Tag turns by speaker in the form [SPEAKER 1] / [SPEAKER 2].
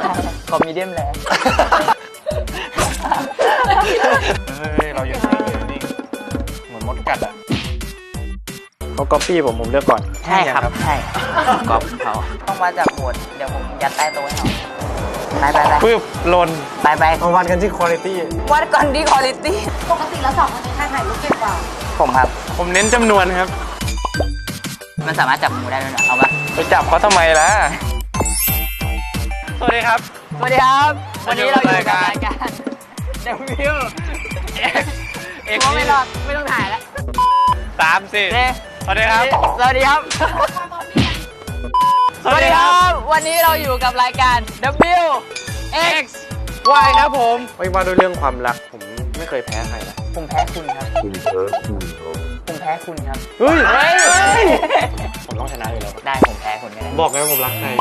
[SPEAKER 1] ขอมีเดียมแรง
[SPEAKER 2] เฮ้ยเราอยู่นิ่งเหมือนมดกัดอ่ะเขาก๊อปปี้ผมเลือกก่อน
[SPEAKER 1] ใช่ครับใช่ก๊อปเขาต้องมาจากหมวดเดี๋ยวผมยัดใต้โต๊ะให้เขาไป
[SPEAKER 2] ปึ๊บหล่น
[SPEAKER 1] ไป
[SPEAKER 2] มาวัดกันที่คุณภาพ
[SPEAKER 1] วัดก่อนที่คุณภาพ
[SPEAKER 3] ปกติแล้ว2คนนี้ใครถ่ายรูปเก่งกว่า
[SPEAKER 1] ผมครับ
[SPEAKER 2] ผมเน้นจำนวนครับ
[SPEAKER 1] มันสามารถจับงูได้ด้วยนะเอาปะ
[SPEAKER 2] ไปจับเขาทำไมล่ะสวัสดีครับ
[SPEAKER 1] สวัสดีครับวันนี้เราอยู่กับรายการ
[SPEAKER 2] W X
[SPEAKER 1] ไม่รอดไม่ต้องถ่ายแล้ว
[SPEAKER 2] 3 4สวัสดีครับ
[SPEAKER 1] สวัสดีครับสวัสดีครับ วันนี้เราอยู่กับรายการ W X
[SPEAKER 2] Y ครับผมไม่ว่าด้วยเรื่องความรักผมไม่เคยแพ้ใครนะ
[SPEAKER 1] ผมแพ้คุณครับผมแพ้คุณครับ
[SPEAKER 2] เฮ้ยผมต้องชนะอยู่แล้ว
[SPEAKER 1] ได้ผมแพ้คุณก็ได้
[SPEAKER 2] บอกไงว่าผมรักใคร